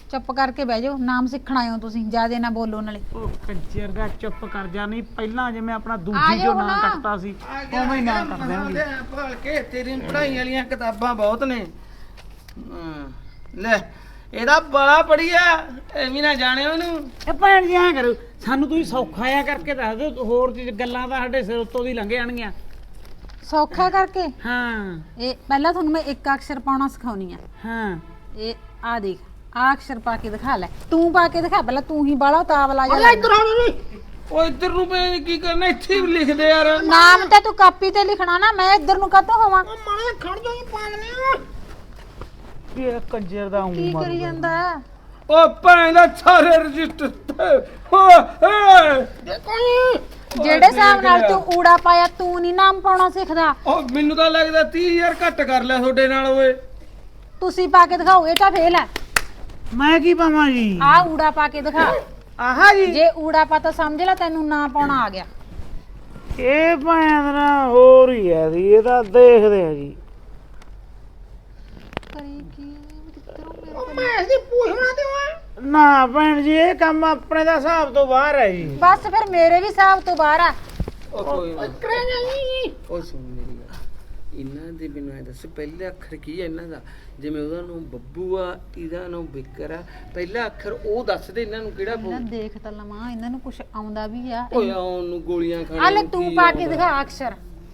Speaker 5: ਚੁੱਪ ਕਰਕੇ ਬਹਿ ਜਾਓ, ਨਾਮ ਸਿੱਖਣ ਆਏ ਹੋ ਤੁਸੀਂ, ਜਿਆਦੇ ਨਾ ਬੋਲੋ ਨਾਲੇ।
Speaker 2: ਉਹ ਕੰਜਰ ਦਾ ਚੁੱਪ ਕਰ ਜਾ, ਨਹੀਂ ਪਹਿਲਾਂ ਜਿਵੇਂ ਆਪਣਾ
Speaker 5: ਆ
Speaker 2: ਦੂਜੀ
Speaker 5: ਜਾਓ
Speaker 2: ਜੋ ਨਾਂ
Speaker 5: ਨਾ।
Speaker 2: ਕੱਟਦਾ ਸੀ ਉਵੇਂ ਹੀ ਨਾਂ ਕੱਟ ਦੇਣਗੇ।
Speaker 6: ਭਾਲ ਕੇ ਤੇਰੀ ਪੜ੍ਹਾਈ ਵਾਲੀਆਂ ਕਿਤਾਬਾਂ ਬਹੁਤ ਨੇ। ਹਾਂ, ਲੈ ਇਹਦਾ ਬੜਾ ਪੜੀਆ, ਐਵੇਂ ਨਾ ਜਾਣਿਓ ਇਹਨੂੰ।
Speaker 2: ਇਹ ਭੈਣ ਜੀ ਐਂ ਕਰੋ, ਸਾਨੂੰ ਤੁਸੀਂ ਸੌਖਾ ਆ ਕਰਕੇ ਦੱਸ ਦਿਓ, ਹੋਰ ਚੀਜ਼ ਗੱਲਾਂ ਤਾਂ ਸਾਡੇ ਸਿਰ ਉੱਤੋਂ ਦੀ ਲੰਘ ਜਾਣਗੀਆਂ।
Speaker 5: ਸੌਖਾ ਕਰਕੇ
Speaker 2: ਹਾਂ
Speaker 5: ਇਹ ਪਹਿਲਾਂ ਤੁਹਾਨੂੰ ਮੈਂ ਇੱਕ ਅਕਸ਼ਰ ਪਾਉਣਾ ਸਿਖਾਉਣੀ ਆ।
Speaker 2: ਹਾਂ
Speaker 5: ਇਹ ਆ ਦੇਖ, ਆ ਅਕਸ਼ਰ ਪਾ ਕੇ ਦਿਖਾ ਲੈ, ਤੂੰ ਪਾ ਕੇ ਦਿਖਾ, ਪਹਿਲਾਂ ਤੂੰ ਹੀ ਬਾਲਾ ਤਾਵਲਾ ਜਾ।
Speaker 3: ਇੱਧਰ ਆ ਜੀ।
Speaker 6: ਉਹ ਇੱਧਰ ਨੂੰ ਮੈਂ ਕੀ ਕਰਨਾ, ਇੱਥੇ ਹੀ ਲਿਖ ਦੇ ਯਾਰ।
Speaker 5: ਨਾਮ ਤਾਂ ਤੂੰ ਕਾਪੀ ਤੇ ਲਿਖਣਾ ਨਾ, ਮੈਂ ਇੱਧਰ ਨੂੰ ਕਾਹਤੋਂ ਹੋਵਾਂ?
Speaker 3: ਉਹ ਮਾਰੇ ਖੜ ਜਾ ਜੀ ਪਾਗਲੇ।
Speaker 2: ਇਹ ਕੰਜਰ ਦਾ
Speaker 5: ਕੀ
Speaker 2: ਊਂ
Speaker 5: ਕਰੀ ਜਾਂਦਾ ਹੈ?
Speaker 6: ਉਹ ਭੈਣ ਦਾ ਸਾਰੇ ਰਜਿਸਟਰ ਤੇ ਹੋ ਏ
Speaker 3: ਦੇਖੋ ਜੀ।
Speaker 5: ਜਿਹੜੇ ਹਿਸਾਬ ਨਾਲ ਤੂੰ ਊੜਾ ਪਾਇਆ, ਤੂੰ ਨਹੀਂ ਨਾਮ ਪਾਉਣਾ ਸਿੱਖਦਾ।
Speaker 6: ਉਹ ਮੈਨੂੰ ਤਾਂ ਲੱਗਦਾ ਤੀਹ ਹਜ਼ਾਰ ਘੱਟ ਕਰ ਲਿਆ ਤੁਹਾਡੇ ਨਾਲ ਓਏ।
Speaker 5: ਤੁਸੀਂ ਪਾ ਕੇ ਦਿਖਾਓ, ਇਹ ਤਾਂ ਫੇਲ ਹੈ।
Speaker 2: ਮੈਂ ਕੀ ਪਾਵਾਂ ਜੀ?
Speaker 5: ਆ ਊੜਾ ਪਾ ਕੇ ਦਿਖਾ।
Speaker 2: ਆਹਾ ਜੀ
Speaker 5: ਜੇ ਊੜਾ ਪਾ ਤਾਂ ਸਮਝ ਲੈ ਤੈਨੂੰ ਨਾ ਪਾਉਣਾ ਆ ਗਿਆ।
Speaker 2: ਇਹ ਭੈਣ ਦਾ ਹੋਰ ਹੀ ਹੈ ਜੀ, ਇਹ ਤਾਂ ਦੇਖਦੇ ਆ ਜੀ।
Speaker 5: ਕਰੀ ਕੀ
Speaker 3: ਉਹ ਮੈਂ ਇਹਦੀ ਪੁੱਛਣਾ ਤੇ ਓਏ।
Speaker 2: ਨਾ ਭੈਣ ਜੀ, ਇਹ ਕੰਮ ਆਪਣੇ ਦਾ ਹਿਸਾਬ ਤੋਂ ਬਾਹਰ ਹੈ ਜੀ।
Speaker 5: ਬਸ ਫਿਰ ਮੇਰੇ ਵੀ ਹਿਸਾਬ ਤੋਂ ਬਾਹਰ ਆ।
Speaker 6: ਉਹ ਕੋਈ ਨਾ,
Speaker 3: ਕਰੇ ਨਹੀਂ।
Speaker 6: ਉਹ ਸੁਣ ਮੇਰੀ ਗੱਲ, ਇਹਨਾਂ ਦੇ ਮੈਨੂੰ ਐ ਦੱਸ ਪਹਿਲੇ ਅੱਖਰ ਕੀ ਹੈ ਇਹਨਾਂ ਦਾ? ਜਿਵੇਂ ਉਹਦਾ ਨਾਮ ਬੱਬੂ ਆ, ਇਹਦਾ ਨਾਮ ਬਿੱਕਰ ਆ, ਪਹਿਲਾ ਅੱਖਰ ਉਹ ਦੱਸ ਦੇ ਇਹਨਾਂ ਨੂੰ ਕਿਹੜਾ ਪਊ?
Speaker 5: ਇਹਨਾਂ ਦੇਖ ਤਾਂ ਲਵਾਂ, ਇਹਨਾਂ ਨੂੰ ਕੁਝ ਆਉਂਦਾ ਵੀ ਆ।
Speaker 6: ਓਏ ਆਉਣ ਨੂੰ ਗੋਲੀਆਂ ਖਾਣ
Speaker 5: ਆ ਲੈ
Speaker 6: ਨੂੰ
Speaker 5: ਤੂੰ
Speaker 6: ਕੀ
Speaker 5: ਪਾ ਕੇ
Speaker 6: ਆਉਂਦਾ?
Speaker 5: ਦਿਖਾ ਅਕਸ਼ਰ।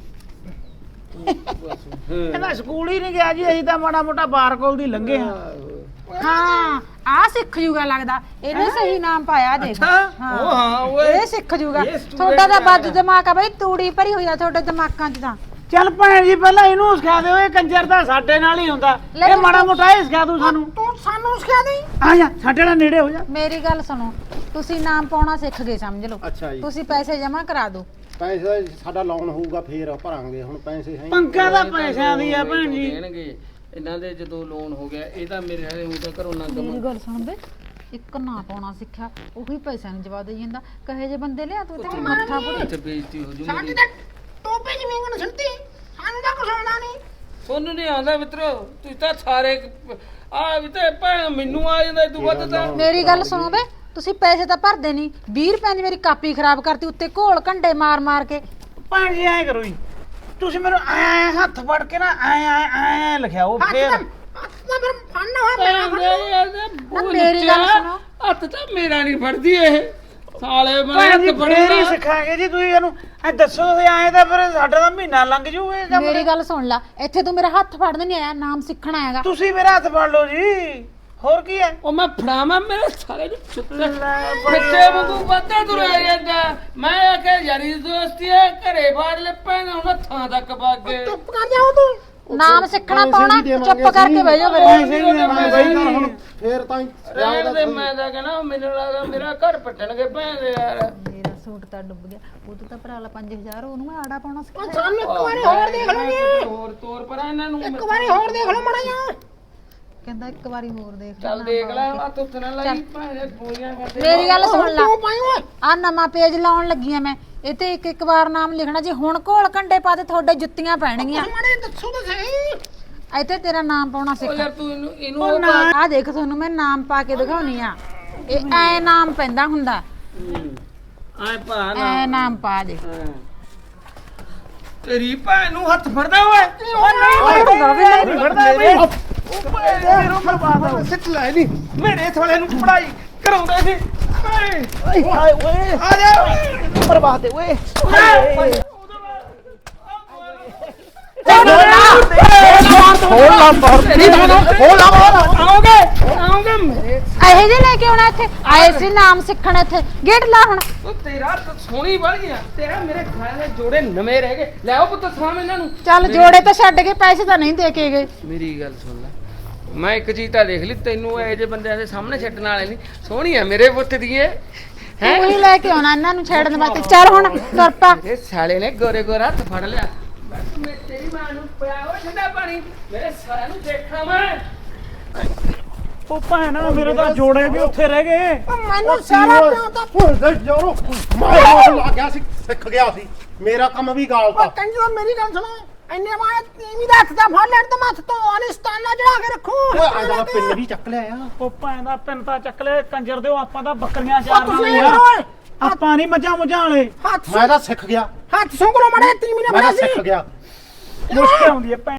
Speaker 6: ਬਸ, ਹਾਂ।
Speaker 2: ਇਹਦਾ ਸਕੂਲ ਹੀ ਨਹੀਂ ਗਿਆ ਜੀ, ਅਸੀਂ ਤਾਂ ਮਾੜਾ ਮੋਟਾ ਬਾਰ ਕੋਲ ਦੀ ਲੰਘੇ ਆ।
Speaker 5: ਹਾਂ ਆ ਸਿੱਖ ਜੂਗਾ ਲੱਗਦਾ, ਇਹਨੇ ਸਹੀ ਨਾਮ ਪਾਇਆ ਦੇਖ।
Speaker 6: ਅੱਛਾ, ਉਹ ਹਾਂ ਓਏ।
Speaker 5: ਇਹ ਸਿੱਖ ਜੂਗਾ।
Speaker 6: ਇਹ student
Speaker 5: ਤੁਹਾਡਾ ਤਾਂ
Speaker 6: ਆ।
Speaker 5: ਵੱਧ ਦਿਮਾਗ ਆ ਬਈ, ਤੂੜੀ ਭਰੀ ਹੋਈ ਆ ਤੁਹਾਡੇ ਦਿਮਾਗਾਂ 'ਚ ਤਾਂ।
Speaker 2: ਚੱਲ ਭੈਣ ਜੀ, ਪਹਿਲਾਂ ਇਹਨੂੰ ਸਿਖਾ ਦਿਓ, ਇਹ ਕੰਜਰ ਦਾ ਸਾਡੇ ਨਾਲ ਹੀ ਹੁੰਦਾ।
Speaker 5: ਲੈ
Speaker 2: ਇਹ
Speaker 5: ਤੂੰ-
Speaker 2: ਮਾੜਾ ਮੋਟਾ ਇਹ ਸਿਖਾ ਦੂ ਸਾਨੂੰ।
Speaker 3: ਤੂੰ ਸਾਨੂੰ ਸਿਖਾ ਦੇ।
Speaker 2: ਆ ਜਾ ਸਾਡੇ ਨਾਲ ਨੇੜੇ ਹੋ ਜਾ।
Speaker 5: ਮੇਰੀ ਗੱਲ ਸੁਣੋ, ਤੁਸੀਂ ਨਾਮ ਪਾਉਣਾ ਸਿੱਖ ਗਏ ਸਮਝ ਲਓ।
Speaker 1: ਅੱਛਾ ਜੀ।
Speaker 5: ਤੁਸੀਂ ਪੈਸੇ ਜਮ੍ਹਾਂ ਕਰਾ ਦਿਓ।
Speaker 1: ਪੈਸੇ ਦਾ ਸਾਡਾ ਲੋਨ ਹੋਊਗਾ ਫੇਰ ਭਰਾਂਗੇ, ਹੁਣ ਪੈਸੇ ਹੈ ਹੀ ਨਹੀਂ।
Speaker 2: ਪੰਗਾ ਦਾ ਪੈਸਿਆਂ ਦੀ ਆ ਭੈਣ ਜੀ।
Speaker 6: ਦੇਣਗੇ ਇਹਨਾਂ ਦੇ ਜਦੋਂ ਲੋਨ ਹੋ ਗਿਆ, ਇਹ ਤਾਂ ਮੇਰੇ ਹਾਲੇ ਹੁਣ ਤਾਂ ਘਰੋਂ ਨਾ
Speaker 5: ਮੇਰੀ ਗੱਲ ਸੁਣ ਬੇ, ਇੱਕ ਨਾ ਪਾਉਣਾ ਸਿੱਖਿਆ, ਉਹੀ ਪੈਸਿਆਂ ਨੂੰ ਜਵਾਬ ਦੇਈ ਜਾਂਦਾ। ਕਹੇ ਜੇ ਬੰਦੇ ਲਿਆ ਤੂੰ ਤੇ ਮੱਥਾ ਪੁੱਟ।
Speaker 6: ਤੇ ਬੇਇੱਜ਼ਤੀ ਹੋ ਜੂ
Speaker 3: ਸਾਡੀ
Speaker 6: ਮੇਰੀ।
Speaker 3: ਤਾਂ ਟੋਪੇ ਚ ਮੀਂਗਣ ਛੱਡਤੀ। ਸਾਨੂੰ ਤਾਂ ਕੁਛ ਆਉਂਦਾ ਨਹੀਂ।
Speaker 6: ਸੋਨੂੰ ਨਹੀਂ ਆਉਂਦਾ ਮਿੱਤਰੋ, ਤੁਸੀਂ ਤਾਂ ਸਾਰੇ ਆ ਵੀ ਤੇ ਭੈਣ ਮੈਨੂੰ ਆ ਜਾਂਦਾ ਤੂੰ ਵੱਧ ਤਾਂ।
Speaker 5: ਮੇਰੀ ਗੱਲ ਸੁਣੋ ਬੇ, ਤੁਸੀਂ ਪੈਸੇ ਤਾਂ ਭਰਦੇ ਨਹੀਂ। ਵੀਹ ਰੁਪਏ ਦੀ ਮੇਰੀ ਕਾਪੀ ਖਰਾਬ ਕਰਤੀ, ਉੱਤੇ ਘੋਲ ਘੰਡੇ ਮਾਰ ਮਾਰ ਕੇ।
Speaker 2: ਭੈਣ ਜੀ ਐਂ ਕਰੋ ਜੀ, ਤੁਸੀਂ ਮੈਨੂੰ ਐ ਹੱਥ ਫੜ ਕੇ ਨਾ ਐ ਐ ਐ ਲਿਖਿਆਓ
Speaker 3: ਹੱਥ
Speaker 2: ਫੇਰ।
Speaker 3: ਤਾਂ ਹੱਥ ਤਾਂ ਫਿਰ ਫੜਨਾ ਹੋਇਆ ਪੈਣਾ ਫੜਨਾ।
Speaker 5: ਨਾ ਮੇਰੀ ਗੱਲ ਸੁਣੋ।
Speaker 6: ਹੱਥ ਤਾਂ ਮੇਰਾ ਨਹੀਂ ਫੜਦੀ ਇਹ ਸਾਲੇ ਮੈਂ
Speaker 2: ਭੈਣ ਜੀ
Speaker 6: ਹੱਥ
Speaker 2: ਫੇਰ ਹੀ
Speaker 6: ਫੜਨਾ।
Speaker 2: ਸਿੱਖਾਂਗੇ ਜੀ, ਤੁਸੀਂ ਇਹਨੂੰ ਐ ਦੱਸੋ ਤੁਸੀਂ ਐਂ ਤਾਂ ਫਿਰ ਸਾਡਾ ਤਾਂ ਮਹੀਨਾ ਲੰਘ ਜੂ ਇਹ ਕੰਮ।
Speaker 5: ਮੇਰੀ ਗੱਲ ਸੁਣ ਲੈ, ਇੱਥੇ ਤੂੰ ਮੇਰਾ ਹੱਥ ਫੜਨ ਨਹੀਂ ਆਇਆ, ਨਾਮ ਸਿੱਖਣ ਆਇਆਗਾ।
Speaker 2: ਤੁਸੀਂ ਮੇਰਾ ਹੱਥ ਫੜ ਲਓ ਜੀ, ਹੋਰ ਕੀ ਹੈ?
Speaker 6: ਉਹ ਮੈਂ ਫੜਾਵਾਂ ਮੇਰੇ ਸਾਲੇ ਨੂੰ ਚੁੱਤੇ
Speaker 2: ਲੈ
Speaker 6: ਬੱਚੇ ਵਾਂਗੂ ਵੱਧੇ ਤੁਰਿਆ ਜਾਂਦਾ। ਮੈਂ ਆਖਿਆ ਯਾਰੀ ਦੋਸਤੀ ਹੈ, ਘਰੇ ਬਾੜ ਲੈ ਪੈਣ ਹੁਣ ਥਾਂ ਤੱਕ ਭਾਗੇ।
Speaker 3: ਚੁੱਪ ਕਰ ਜਾਓ ਤੂੰ।
Speaker 5: ਨਾਮ ਸਿੱਖਣਾ
Speaker 1: ਪੈਸੇ
Speaker 5: ਪਾਉਣਾ,
Speaker 1: ਵੀ ਦੇਵਾਂਗੇ
Speaker 5: ਚੁੱਪ ਕਰਕੇ ਬਹਿ ਜਾਓ ਫਿਰ।
Speaker 2: ਪੈਸੇ ਵੀ ਦੇਵਾਂਗੇ
Speaker 1: ਪੈਸੇ
Speaker 2: ਬਾਈ।
Speaker 1: ਹੁਣ ਫੇਰ ਤਾਂ ਹੀ
Speaker 6: ਰਹਿਣ ਦੇ, ਮੈਂ ਤਾਂ ਕਹਿੰਦਾ ਮੈਨੂੰ ਲੱਗਦਾ ਮੇਰਾ ਘਰ ਪੱਟਣਗੇ ਭੈਣ ਦੇ ਯਾਰ।
Speaker 5: ਮੇਰਾ ਸੂਟ ਤਾਂ ਡੁੱਬ ਗਿਆ, ਉਹ ਤਾਂ ਭਰਾ ਲਾ ਪੰਜ ਹਜ਼ਾਰ, ਉਹਨੂੰ ਮੈਂ ਆੜਾ ਪਾਉਣਾ
Speaker 3: ਉਹ
Speaker 5: ਸਿੱਖਿਆ।
Speaker 3: ਸਾਨੂੰ ਇੱਕ ਵਾਰੀ ਹੋਰ ਦੇਖ ਲਓ ਜੀ।
Speaker 6: ਹੋਰ ਤੋਰ ਪਰ ਇਹਨਾਂ ਨੂੰ
Speaker 3: ਇੱਕ ਵਾਰੀ ਹੋਰ ਦੇਖ ਲਓ ਮਾੜਾ ਜਿਹਾ।
Speaker 5: ਕਹਿੰਦਾ ਇੱਕ ਵਾਰੀ ਹੋਰ ਦੇਖ
Speaker 6: ਚੱਲ
Speaker 5: ਲੈਣਾ
Speaker 6: ਦੇਖ ਲੈ,
Speaker 5: ਬਾਅਦ
Speaker 6: ਆ ਤੁੱਤ ਨਾ ਲਾਈ ਭੈਣ ਦੇ ਗੋਲੀਆਂ
Speaker 5: ਚ।
Speaker 6: ਕਰਦੇ।
Speaker 5: ਮੇਰੀ ਗੱਲ ਸੁਣ ਲੈ,
Speaker 3: ਤੂੰ ਪਾਈ ਓਏ।
Speaker 5: ਆ ਨਵਾਂ ਪੇਜ ਲਾਉਣ ਲੱਗੀ ਆ ਮੈਂ, ਇਹ ਤੇ ਇੱਕ ਇੱਕ ਵਾਰ ਨਾਮ ਲਿਖਣਾ। ਜੇ ਹੁਣ ਘੋਲ ਘੰਡੇ ਪਾ ਤੇ ਤੁਹਾਡੇ ਜੁੱਤੀਆਂ ਪੈਣਗੀਆਂ।
Speaker 3: ਮਾੜੇ ਦੱਸੋ ਤਾਂ ਸਹੀ।
Speaker 5: ਇੱਥੇ ਤੇਰਾ ਨਾਮ ਪਾਉਣਾ
Speaker 6: ਉਹ
Speaker 5: ਸਿੱਖ।
Speaker 6: ਯਾਰ ਤੂੰ ਇਹਨੂੰ ਇਹਨੂੰ ਉਹ ਪਾ।
Speaker 5: ਆ ਦੇਖ ਤੁਹਾਨੂੰ ਮੈਂ ਨਾਮ ਪਾ ਕੇ ਦਿਖਾਉਣੀ ਆ। ਇਹ ਐ ਨਾਮ ਪੈਂਦਾ ਹੁੰਦਾ,
Speaker 6: ਆਏ ਭਾ ਨਾ
Speaker 5: ਐ ਨਾਮ ਪਾ ਦੇ।
Speaker 6: ਤੇਰੀ ਭੈਣ ਨੂੰ ਹੱਥ ਫੜਦਾ ਓਏ।
Speaker 2: ਨਹੀਂ ਫੜਦਾ ਬਈ। ਮੇਰੋਂ ਬਰਬਾਦ
Speaker 1: ਸਿੱਟ ਲੈ ਨਹੀਂ।
Speaker 6: ਮੇਰੇ ਥੋੜੇ ਨੂੰ ਪੜਾਈ ਕਰਾਉਂਦਾ ਸੀ।
Speaker 2: ਓਏ ਓਏ
Speaker 6: ਆ ਜਾ
Speaker 2: ਬਰਬਾਦ ਦੇ ਓਏ।
Speaker 1: ਖੋਲ ਲਾ ਬਾਹਰ, ਖੋਲ ਲਾ ਬਾਹਰ।
Speaker 6: ਆਓਗੇ ਆਓਗੇ ਮੇਰੇ।
Speaker 5: ਇਹੋ ਜਿਹੇ ਲੈ ਕੇ ਆਉਣਾ ਇੱਥੇ ਆਏ ਸੀ ਨਾਮ ਸਿੱਖਣ। ਇੱਥੇ ਗੇਟ ਲਾ ਹੁਣ।
Speaker 6: ਉਹ ਤੇਰਾ ਤਾਂ ਸੋਹਣੀ ਬਣ ਗਿਆ, ਤੇਰਾ ਮੇਰੇ ਖਾਏ ਦੇ ਜੋੜੇ ਨਵੇਂ ਰਹਿ ਗਏ। ਲੈ ਆਓ ਪੁੱਤ ਸਾਹਮਣੇ ਇਹਨਾਂ ਨੂੰ।
Speaker 5: ਚੱਲ ਜੋੜੇ ਤਾਂ ਛੱਡ ਕੇ ਪੈਸੇ ਤਾਂ ਨਹੀਂ ਦੇ ਕੇ ਗਏ।
Speaker 6: ਮੇਰੀ ਗੱਲ ਸੁਣ ਲੈ, ਮੈਂ ਇੱਕ ਚੀਜ਼ ਤਾਂ ਦੇਖ ਲਈ, ਤੈਨੂੰ ਇਹੋ ਜਿਹੇ ਬੰਦਿਆਂ ਦੇ ਸਾਹਮਣੇ ਛੱਡਣ ਵਾਲੇ ਨਹੀਂ। ਸੋਹਣੀ ਆ ਮੇਰੇ ਪੁੱਤ ਦੀ ਇਹ ਹੈ।
Speaker 5: ਤੂੰ ਹੀ ਲੈ ਕੇ ਆਉਣਾ ਇਹਨਾਂ ਨੂੰ ਛੇੜਨ ਵਾਸਤੇ। ਚੱਲ ਹੁਣ ਤੁਰ ਪਾ।
Speaker 6: ਇਹ ਸਾਲੇ ਨੇ ਗੋਰੇ ਗੋਰਾ ਹੱਥ ਫੜ ਲਿਆ। ਬਸ ਮੈਂ ਤੇਰੀ ਮਾਂ ਨੂੰ ਪਿਆਓ ਠੰਡਾ ਪਾਣੀ, ਮੇਰੇ ਸਾਰਿਆਂ ਨੂੰ ਦੇਖਾਂ ਮੈਂ।
Speaker 2: ਉਹ ਭੈਣ ਮੇਰੇ ਤਾਂ ਜੋੜੇ ਵੀ ਉੱਥੇ ਰਹਿ ਗਏ।
Speaker 3: ਉਹ ਮੈਨੂੰ ਸਾਰਾ ਪਿਓ ਤਾਂ
Speaker 1: ਭੁੱਲ ਦੇ ਜੋਰੋ। ਮੈਂ ਲੱਗ ਗਿਆ ਸੀ, ਸਿੱਖ ਗਿਆ ਸੀ, ਮੇਰਾ ਕੰਮ ਵੀ ਗਾਲਤਾ।
Speaker 3: ਉਹ ਕੰਜੋ ਮੇਰੀ ਗੱਲ ਸੁਣੋ। ਇੰਨੇ ਮਾਏ ਤੀਵੀਂ ਦਾ ਹੱਥ ਦਾ ਫੜ ਲੈਣ ਤੇ ਮੱਥ ਤੋਂ ਅਨਿਸਤਾਨਾ ਚੜਾ ਕੇ ਰੱਖੂ
Speaker 1: ਓਏ ਐਦਾ ਦਾ ਪਿੰਨ ਵੀ ਚੱਕ ਲਿਆ ਆ
Speaker 2: ਉਹ ਭੈਣ ਦਾ ਪਿੰਨ ਤਾਂ ਚੱਕ ਲੈ ਕੰਜਰ ਦਿਓ ਆਪਾਂ ਤਾਂ ਬੱਕਰੀਆਂ
Speaker 3: ਉਹ
Speaker 2: ਚਾਰਨ
Speaker 3: ਤੁਸੀਂ
Speaker 2: ਵਾਲੇ ਆ
Speaker 3: ਓਏ
Speaker 2: ਆਪਾਂ ਨਹੀਂ ਮੱਝਾਂ ਮੁੱਝਾਂ ਵਾਲੇ
Speaker 3: ਹੱਥ
Speaker 1: ਮੈਂ ਤਾਂ ਸਿੱਖ ਗਿਆ
Speaker 3: ਹੱਥ ਸੁੰਗਰੋ ਮੜੇ ਤੀਵੀਂ ਨੇ
Speaker 1: ਮੈਂ
Speaker 3: ਬਣਾ
Speaker 1: ਤਾਂ
Speaker 3: ਸੀ
Speaker 1: ਸਿੱਖ ਗਿਆ
Speaker 2: ਮੁਸ਼ਕਿਲ ਆਉਂਦੀ ਹੈ ਭੈਣ